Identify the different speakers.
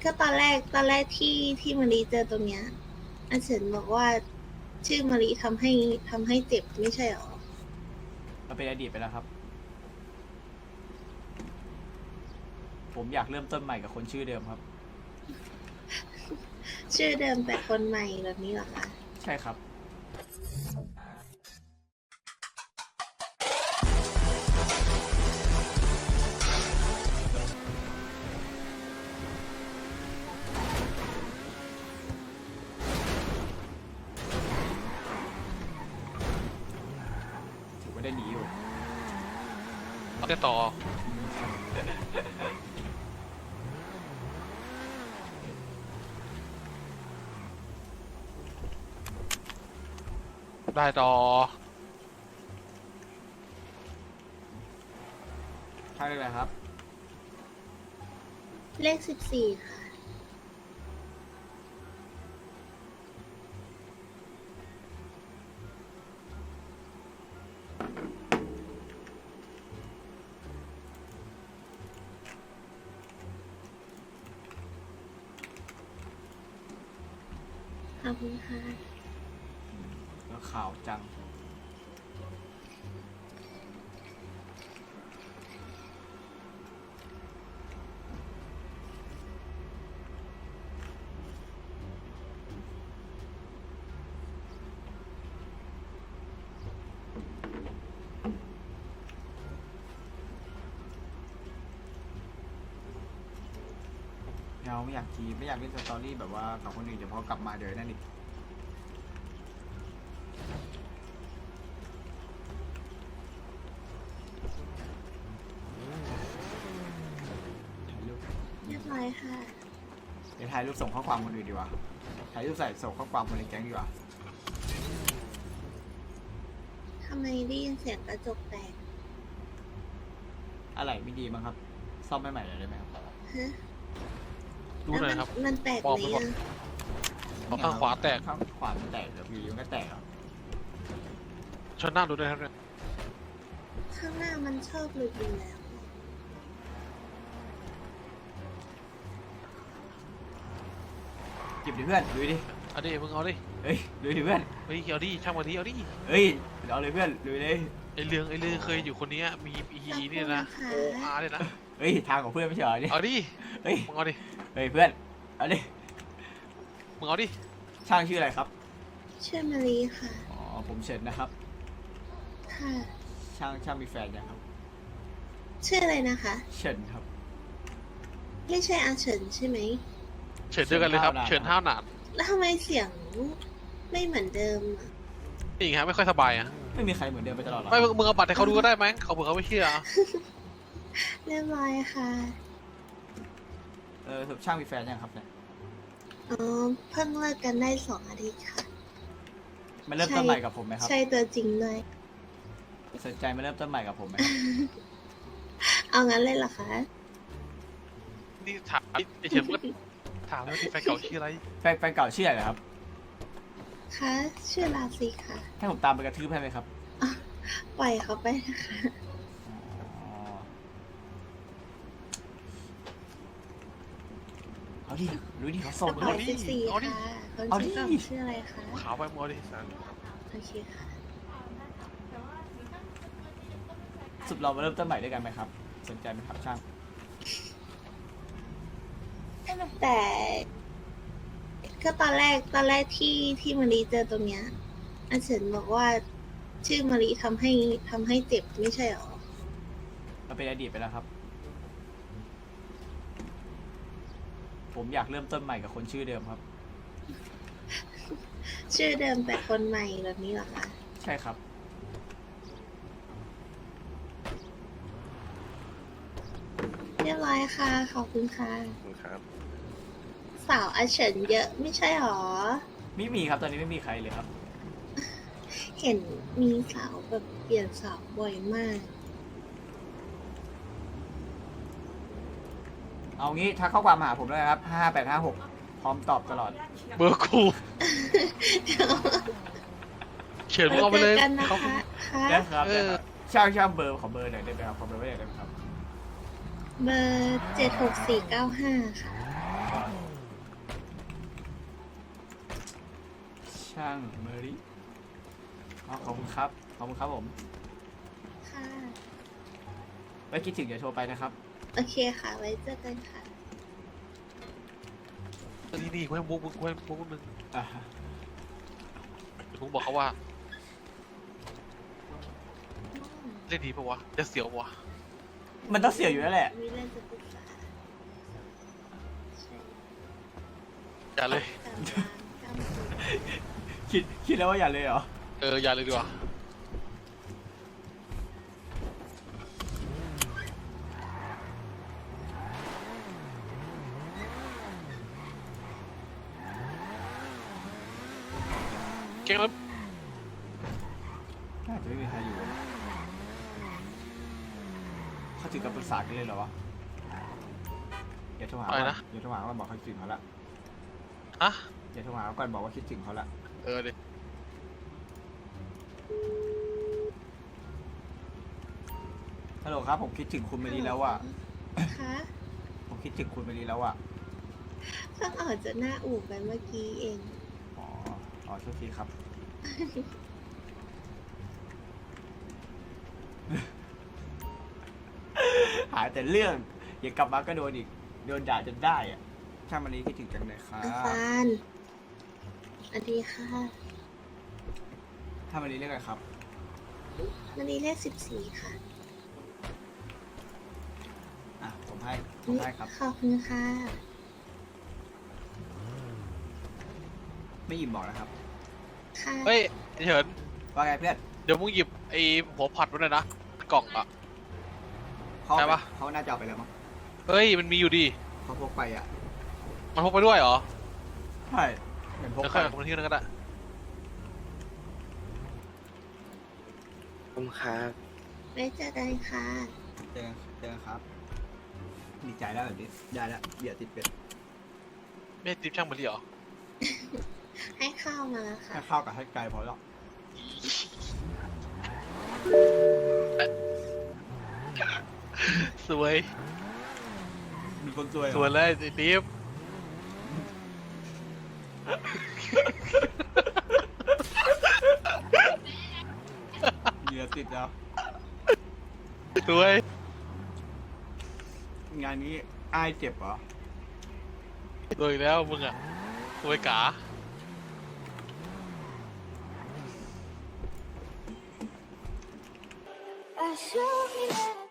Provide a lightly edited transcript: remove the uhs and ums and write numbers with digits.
Speaker 1: ก็ตอนแรกที่มารีเจอตรงเนี้ยอาเฉินบอกว่าชื่อมารีทำให้เจ็บไม่ใช่หรอ
Speaker 2: มันเป็นอดีตไปแล้วครับ ผมอยากเริ่มต้นใหม่กับคนชื่อเดิมครับ
Speaker 1: ชื่อเดิมแต่คนใหม่แบบนี้เหรอคะ
Speaker 2: ใช่ครับ ถือว่าได้หนีอยู่
Speaker 3: เอาแต่ต่อได้ต่อ
Speaker 2: ใช่เลยครับ
Speaker 1: เลข14ค่ะขอบคุณค่ะ
Speaker 2: แล้วข่าวจัง เราไม่อยากทีไม่อยากเล่นสตอรี่แบบว่ากับคนอื่นเดี๋ยวพอกลับมาเดี๋ยวนั่นอีกถ่ายรูป
Speaker 1: เรียบร้อยค่ะ
Speaker 2: เดี๋ยวถ่ายรูปส่งข้อความคนอื่นดีกว่าถ่ายรูปใส่ส่งข้อความคนในแก๊งดีกว่า
Speaker 1: ทำไมได้ยินเสียงกระจกแตก
Speaker 2: อะไรไม่ดีมั้งครับ ซ่อมใหม่ๆเลยได้ไหมครับ
Speaker 1: ฮะ
Speaker 3: ดูหน่อยครับ
Speaker 1: มันแตก
Speaker 3: บอก
Speaker 1: ไหม
Speaker 3: ไปก่อน
Speaker 1: อะ
Speaker 3: เอาข้างขวาแตก
Speaker 2: ข้างขวามันแตกแล้ววีมันก็แตกครับ
Speaker 3: ชนหน้าดูด้วยครับเนี่ย
Speaker 1: ข้างหน้ามันชอบหลุดอยู่แล้ว
Speaker 2: เก็บดิเพื่อนดูดิ
Speaker 3: เอาดิมึงเอาดิ
Speaker 2: เฮ้ยดูดิเพื่อน
Speaker 3: เฮ้ยเอาดิช่างมันดิเอาดิ
Speaker 2: เฮ้ยเอาเลยเพื่อนดูเลย
Speaker 3: ไอเรื่องเคยอยู่คนนี้มีนี่นะ
Speaker 1: ขอบ
Speaker 3: โอ
Speaker 1: คุณนะคะ
Speaker 3: อาร์เลยนะ
Speaker 2: เฮ้ยทางของเพื่อนไม่ใช่เหรอเนี่ย
Speaker 3: เอาดิ
Speaker 2: เฮ้ย
Speaker 3: มึงเอาดิ
Speaker 2: เฮ้ยเพื่อนเอาดิ
Speaker 3: มึงเอาดิ
Speaker 2: ช่างชื่ออะไรครับ
Speaker 1: ชื่อมารีค่ะ
Speaker 2: อ๋อผมเฉินนะครับ
Speaker 1: ค่ะ
Speaker 2: ช่างมีแฟนยังครับ
Speaker 1: ชื่ออะไรนะคะ
Speaker 2: เฉินครับ
Speaker 1: ไม่ใช่อาเฉินใช่ไหม
Speaker 3: เฉินเจอกันเลยครับเฉินห้าวหนาน
Speaker 1: แล้วทำไมเสียงไม่เหมือนเดิมอะ
Speaker 3: นี่ไงไม่ค่อยสบายอ่ะ
Speaker 2: ไม่มีใครเหมือนเดิมไปตลอดหรอ
Speaker 3: ไม่มึงเอาบัตรให้เขาดูก็ได้ไหมเขาเผื่อเขาไม่เชื่อ
Speaker 1: เรียบร้อยค่ะ
Speaker 2: ช่างมีแฟนยังครับเนี่ย
Speaker 1: อ๋อ เพิ่งเลิกกันได้2 อาทิตย์ค่ะ
Speaker 2: มาเริ่มต้นใหม่กับผมไหมครับ
Speaker 1: ใช่ตัวจริงด้วย
Speaker 2: สนใจมาเริ่มต้นใหม่กับผมไหม
Speaker 1: เอางั้นเลยเหรอคะ
Speaker 3: นี่ถามไอเฉินมึงก็ถามว่าที่แฟนเก่าชื่ออะไร
Speaker 2: แฟนเก่าชื่ออะไรเหรอครับ
Speaker 1: คะชื่อลาซีค่ะ
Speaker 2: ให้ผมตามไปกระทืบให้ไหมครับ
Speaker 1: ปล่อยเขาไปนะคะ
Speaker 2: อ๋อเอาดิรู้ดิเขาส่ง
Speaker 1: ป
Speaker 2: เล
Speaker 1: ล่อย
Speaker 2: ย
Speaker 1: 14
Speaker 3: เอาดิ
Speaker 1: ค่ะคน
Speaker 2: เอาดิ
Speaker 1: ชื่อต่อชื่ออะไรคะ
Speaker 3: ขาวไปมึงเอาดิสัน
Speaker 1: โอเคค่ะ
Speaker 2: สุดเรามาเริ่มต้นใหม่ด้วยกันไหมครับ สนใจไหมครับช่าง
Speaker 1: แต่ก็ตอนแรกที่มารีเจอตรงเนี้ยอาเฉินบอกว่าชื่อมารีทำให้เจ็บไม่ใช่หรอ
Speaker 2: มันเป็นอดีตไปแล้วครับ ผมอยากเริ่มต้นใหม่กับคนชื่อเดิมครับ
Speaker 1: ชื่อเดิมแต่คนใหม่แบบนี้เหรอคะ
Speaker 2: ใช่ครับ
Speaker 1: เรียบร้อยค่ะ ขอบคุณค่ะ
Speaker 3: ครับ
Speaker 1: สาวอาเฉินเยอะไม่ใช่หรอ
Speaker 2: ไม่มีครับตอนนี้ไม่มีใครเลยครับ
Speaker 1: เห็นมีสาวแบบเปลี่ยนสาวบ่อยมาก
Speaker 2: เอางี้ทักข้อความมาหาผมเลยครับ5856พร้อมตอบตลอด
Speaker 3: เบอร์กูเฉินมึงเอาไปเลย
Speaker 1: จกันนะ
Speaker 3: เขา
Speaker 1: คะค่ะ
Speaker 2: ได้ครับ
Speaker 3: เออ
Speaker 2: ช่างเบอร์ขอเบอร์หน่อยได้ไหมครับขอเบอร์ไว้หน่อยได้ไหมครับ
Speaker 1: เบอร์76495 ค่ะ
Speaker 2: ช่างเมอรี่อ๋อขอบคุณครับขอบคุณครับผม
Speaker 1: ค่ะ
Speaker 2: ไว้คิดถึงอย่าโทรไปนะครับ
Speaker 1: โอเคค่ะ ไว้เจอกันค่ะ
Speaker 3: นี่กูให้มุกนึง
Speaker 2: อ่า
Speaker 3: เดี๋ยวมุกบอกเขาว่าเล่นดีปะวะจะเสียวปะวะ
Speaker 2: มันต้องเสียอยู่แล้วแหละ
Speaker 1: มีเรื่องจะปรึกษาใช่
Speaker 3: อย่าเลย
Speaker 1: ตามร้านตามสูตร
Speaker 2: คิดแล้วว่าอย่าเลยเหรอ
Speaker 3: อย่าเลยดีกว่าเก่งแล้ว
Speaker 2: น่าจะไม่มีใครอยู่เขาถึงกับปรึกษากันเลยเหรอวะอย่าโทรหา
Speaker 3: อะไร
Speaker 2: ก่อน
Speaker 3: นะ
Speaker 2: อย่าโทรหาก่อนบอกเขาคิดถึงเขาละ
Speaker 3: ฮะ
Speaker 2: อย่าโทรหาก่อนบอกว่าคิดถึงเขาละ
Speaker 3: ดิ
Speaker 2: ฮัลโหลครับผมคิดถึงคุณเมลีแล้วอ่ะ
Speaker 1: คะ
Speaker 2: ผมคิดถึงคุณเมลีแล้วอ่ะ
Speaker 1: เพิ่งออกจากหน้าอู่ไปเมื่อกี้เอง
Speaker 2: อ๋อโทษทีครับ หายแต่เรื่องอย่ากลับมาก็โดนอีกโดนด่าจนได้อ่ะช่างมันนี้คิดถึงจังเลยครั
Speaker 1: อา
Speaker 2: บ
Speaker 1: ฟานสวัสดีค่ะ
Speaker 2: ถ้ามันนี้เรียกอะไรครับ
Speaker 1: วันนี้เลข14 ค่ะ
Speaker 2: อ่ะผมให้ครับ
Speaker 1: ขอบคุณค่ะ
Speaker 2: ไม่หยิบบอกนะครับ
Speaker 1: ค่ะ
Speaker 3: เฮ้ยไอ้เฉิน
Speaker 2: ว่าไงเพื่อน
Speaker 3: เดี๋ยวมึงหยิบไอ้หัวผัดไว้หน่อยนะกล่องอ่ะ
Speaker 2: เขา
Speaker 3: ได้ปะ
Speaker 2: เขาน่าจะเอาไปแล้วมั้ง
Speaker 3: เฮ้ยมันมีอยู่ดิ
Speaker 2: เขาพกไปอ่ะ
Speaker 3: มันพกไปด้วยเหรอ
Speaker 2: ใช่เหมือนพก
Speaker 3: เดี๋ยว
Speaker 2: ไป
Speaker 3: ค่อยเอาคนที่นั่นก็ได้
Speaker 4: ผมครับ
Speaker 1: ไว้เจอกันค่ะ
Speaker 2: เจอกันครับดีใจแล้วแบบนี้ได้แล้วเดี๋ยวติดเป็ด
Speaker 3: ไม่ให้ติ๊บช่างมันดิเหรอ
Speaker 1: ให้ข้าวมาแล้วค่ะ
Speaker 2: ให้ข้าวกับให้ไก่พอแล้ว
Speaker 3: สวย
Speaker 2: มีคนซวยเหร
Speaker 3: ส
Speaker 2: อ
Speaker 3: วยเลยไอ้ติ๊บ
Speaker 2: เหยื่อติดแล้ว
Speaker 3: สวย
Speaker 2: งานนี้อ้ายเจ็บเหรอ
Speaker 3: สวยอีกแล้วมึงอ่ะสวยกา
Speaker 5: I show me that